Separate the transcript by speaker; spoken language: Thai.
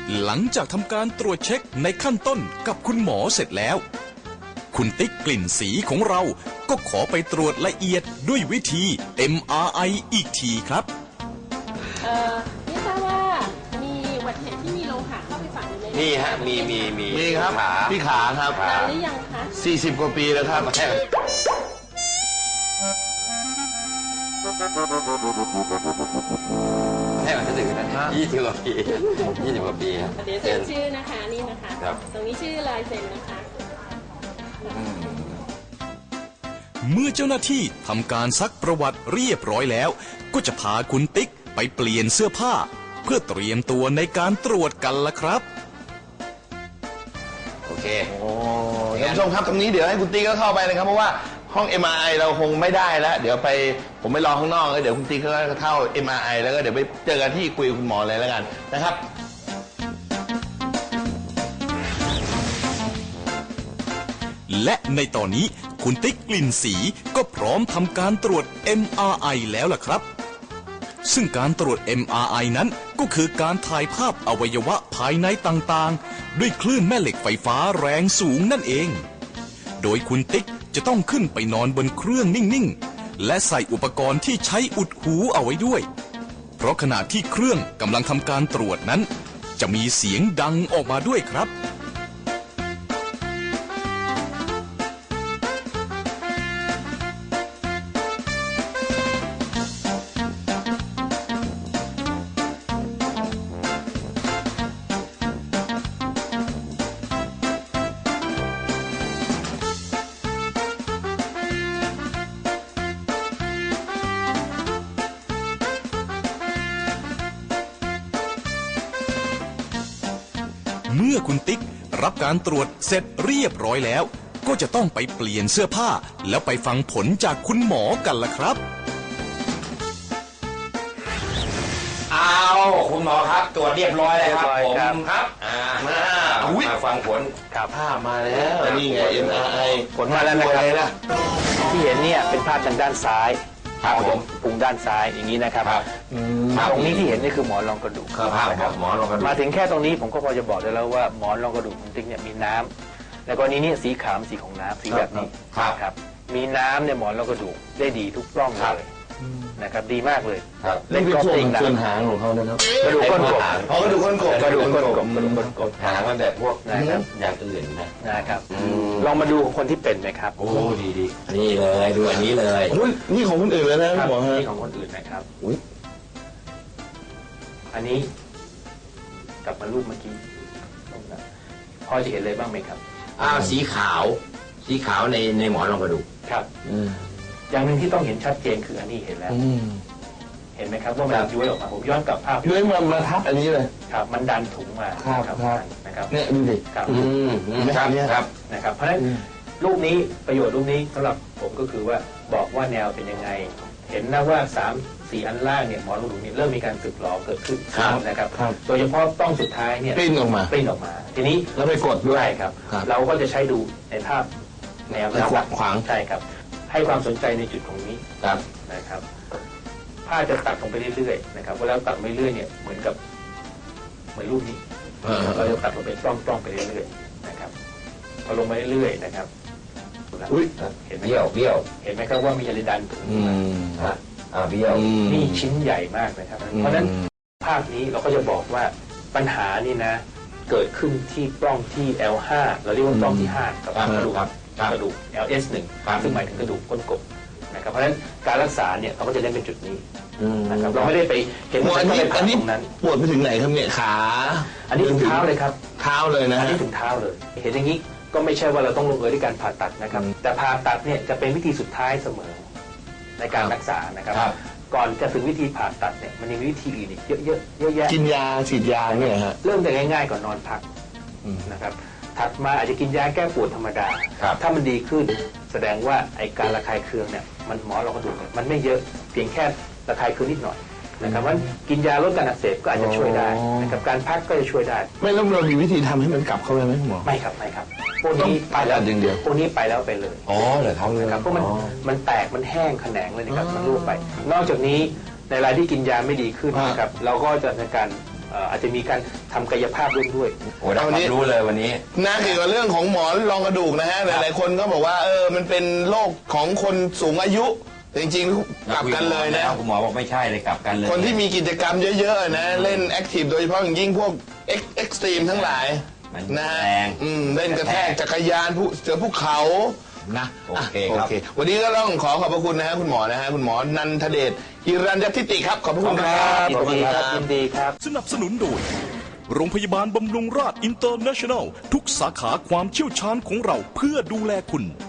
Speaker 1: หลังจากทำการตรวจเช็คในขั้นต้นกับคุณหมอเสร็จแล้วคุณติ๊กกลิ่นสีของเราก็ขอไปตรวจละเอียดด้วยวิธี MRI อีกทีครับ
Speaker 2: ไม่ทราบว่ามีอุบัติเหตุที่มีโลหะเข้าไปฝังอยู่ใน
Speaker 3: นี่ฮะมี
Speaker 4: ครับที่ขาครับ
Speaker 2: นานหรือยังคะ
Speaker 4: 40 กว่าปีแล้วครับ
Speaker 3: ให้มันถึงนะ20 กว่าปี20 กว่าปี
Speaker 2: เดี๋ยวเซ็นชื่อนะคะนี่นะคะตรงนี้ชื่อลายเซ็นนะคะ
Speaker 1: เมื่อเจ้าหน้าที่ทำการซักประวัติเรียบร้อยแล้วก็จะพาคุณติ๊กไปเปลี่ยนเสื้อผ้าเพื่อเตรียมตัวในการตรวจกันละครับ
Speaker 3: โอเค
Speaker 4: ท่านผู้ชมครับตรงนี้เดี๋ยวให้คุณติ๊กก็เข้าไปนะครับเพราะว่าห้อง MRI เราคงไม่ได้แล้วเดี๋ยวผมไปรอข้างนอกแล้วเดี๋ยวคุณติ๊กก็เข้า MRI แล้วก็เดี๋ยวไปเจอกันที่คุยกับคุณหมอเลยแล้วกันนะครับ
Speaker 1: และในตอนนี้คุณติ๊กกลิ่นสีก็พร้อมทำการตรวจ MRI แล้วล่ะครับซึ่งการตรวจ MRI นั้นก็คือการถ่ายภาพอวัยวะภายในต่างๆด้วยคลื่นแม่เหล็กไฟฟ้าแรงสูงนั่นเองโดยคุณติ๊กจะต้องขึ้นไปนอนบนเครื่องนิ่งๆและใส่อุปกรณ์ที่ใช้อุดหูเอาไว้ด้วยเพราะขณะที่เครื่องกำลังทำการตรวจนั้นจะมีเสียงดังออกมาด้วยครับเมื่อคุณติ๊กรับการตรวจเสร็จเรียบร้อยแล้วก็จะต้องไปเปลี่ยนเสื้อผ้าแล้วไปฟังผลจากคุณหมอกันล่ะครับ
Speaker 3: คุณหมอครับตรวจเรียบร้อยแล้วครับผมครับมาฟังผล
Speaker 4: ภาพมาแล้วนี่ไง MRI
Speaker 5: ผลมาแล้วนะครับที่เห็นเนี่ยเป็นภาพทางด้านซ้าย
Speaker 3: ผม
Speaker 5: พุงด้านซ้ายอย่างนี้นะครับตรงนี้ที่เห็นนี่คือหมอนรองกระดูก
Speaker 3: ครับหมอนรองกระดูก
Speaker 5: มาถึงแค่ตรงนี้ผมก็พอจะบอกได้แล้วว่าหมอนรองกระดูกคุณติ๊กเนี่ยมีน้ำในกรณีนี้สีขาวสีของน้ำสีแบบนี้ครับมีน้ำในหมอนรองกระดูกได้ดีทุกปล้องเลยนะครับดีมากเลย
Speaker 4: เล่นก็ติงส่วนหางของเขานะครับ
Speaker 5: กระดูกก้นกบ
Speaker 4: กระดูกก้นกบ
Speaker 5: กระดูกก้นกบ
Speaker 3: หางมันแบบพวกอย่างอื่น
Speaker 5: นะครับลองมาดูคนที่เป็นไหมครับ
Speaker 3: โอ้ดีนี่เลยดูอันนี้เลย
Speaker 4: นี่ของคนอื่นเลยนะหมอฮะ
Speaker 5: นี่ของคนอื่นนะครับอันนี้กลับมารูปเมื่อกี้พอจะเห็นเลยบ้างไหมครับ
Speaker 3: สีขาวในหมอนรองกระดูก
Speaker 5: ครับอย่างหนึ่งที่ต้องเห็นชัดเจนคืออันนี้เห็นแล้วเห็นไหมครับว่ามันย้วยออกมาผมย้อนกลับภาพ
Speaker 4: ย้วยมาทับอันนี้เลย
Speaker 5: ครับมันดันถุงมา
Speaker 4: ครับ
Speaker 5: นะครับ
Speaker 4: เนี่ยดูดิ
Speaker 5: ครับ
Speaker 3: ครับ
Speaker 5: นะครับเพราะฉะนั้นรูปนี้ประโยชน์รูปนี้สำหรับผมก็คือว่าบอกว่าแนวเป็นยังไงเห็นนะว่า3-4 อันล่างเนี่ยหมอนรองกระดูกนี้เริ่มมีการสึกหรอเกิดขึ้นนะครับโดยเฉพาะต้องสุดท้ายเนี่ย
Speaker 4: ปริ้นออกมา
Speaker 5: ทีนี้
Speaker 4: เราไปกดด้วย
Speaker 5: ครับเราก็จะใช้ดูในภาพแนว
Speaker 4: ขวาง
Speaker 5: ใช่ครับให้ความสนใจในจุดตรงนี้นะครับผ้าจะตัดลงไปเรื่อยๆนะครับเวลาตัดไปเรื่อยเนี่ยเหมือนรูปนี้เราจะตัดลงไปปล้องไปเรื่อยๆนะครับพอลงไปเรื่อยๆนะครับ
Speaker 3: เห็นไหมเบี้ยว
Speaker 5: เห็นไหมครับว่ามีอะไรดันถุง
Speaker 3: เบี้ยว
Speaker 5: นี่ชิ้นใหญ่มากนะครับเพราะฉะนั้นภาพนี้เราก็จะบอกว่าปัญหานี่นะเกิดขึ้นที่ปล้องที่ L5 เราเรียกว่าปล้องที่5กับกระดูก LS1 ซึ่งหมายถึงกระดูกก้นกบนะครับเพราะฉะนั้นการรักษาเนี่ยเราก็จะเล่นเป็นจุดนี้นะครับเราไม่ได้ไปเห็นว่า
Speaker 4: อันนี้ปวดไปถึงไหนครับเนี่ยขา
Speaker 5: อันนี้ถึงเท้าเลยครับ
Speaker 4: เท้าเลยนะ
Speaker 5: อันนี้ถึงเท้าเลยเห็นอย่างนี้ก็ไม่ใช่ว่าเราต้องลงเอยด้วยการผ่าตัดนะครับแต่ผ่าตัดเนี่ยจะเป็นวิธีสุดท้ายเสมอในการรักษานะครับก่อนจะถึงวิธีผ่าตัดเนี่ยมันยังมีวิธีอื่นอีกเยอะแยะ
Speaker 4: กินยาฉีดยาเนี่ยฮะ
Speaker 5: เริ่มจากง่ายๆก่อนนอนพักนะครับถัดมาอาจจะกินยาแก้ปวดธรรมดาถ้ามันดีขึ้นแสดงว่าไอการระคายเคืองเนี่ยมันหมอรองกระดูกมันไม่เยอะเพียงแค่ระคายเคืองนิดหน่อยนะครับว่ากินยาลดการอักเสบก็อาจจะช่วยได้นะครับการพักก็จะช่วยได้
Speaker 4: ไม่แล้วเรามีวิธีทำให้มันกลับเข้าไปไหมหมอ
Speaker 5: ไม่ครับพวกนี้ไปแล้ว
Speaker 4: อย่างเดียว
Speaker 5: พวกนี้ไปแล้วไปเลย
Speaker 4: เหรอ
Speaker 5: ครับเพราะมันแตกมันแห้งแขนงเลยนะครับมันรั่วไปนอกจากนี้ในรายที่กินยาไม่ดีขึ้นนะครับเราก็จะในการอาจจะมีการทำกายภาพร่วมด้วย
Speaker 3: โอ้ได้ความรู้เลยวันนี้
Speaker 4: นะเกี่ยวกับเรื่องของหมอนรองกระดูกนะฮะหลายๆคนก็บอกว่ามันเป็นโรคของคนสูงอายุแต่จริงๆกลับกันเลยนะ
Speaker 3: คุณหมอบอกไม่ใช่เลยกลับกันเลย
Speaker 4: คนที่มีกิจกรรมเยอะๆนะเล่นแอคทีฟโดยเฉพาะอย่างยิ่งพวกเอ็กซ์ตรีมทั้งหลาย
Speaker 3: มัน
Speaker 4: นะฮะ
Speaker 3: แรง
Speaker 4: เล่นกระแทกจักรยานเจอภูเขานะ
Speaker 3: โอเคครับ
Speaker 4: วันนี้ก็ต้องขอขอบพระคุณนะฮะคุณหมอนะฮะคุณหมอนันทเดชฮิรัญยทิติครับขอบพระคุณครับ
Speaker 5: ยินดีครับยินดีครับ
Speaker 1: สนับสนุนโดย โรงพยาบาลบำรุงราษอินเตอร์เนชั่นแนล ทุกสาขาความเชี่ยวชาญของเราเพื่อดูแลคุณ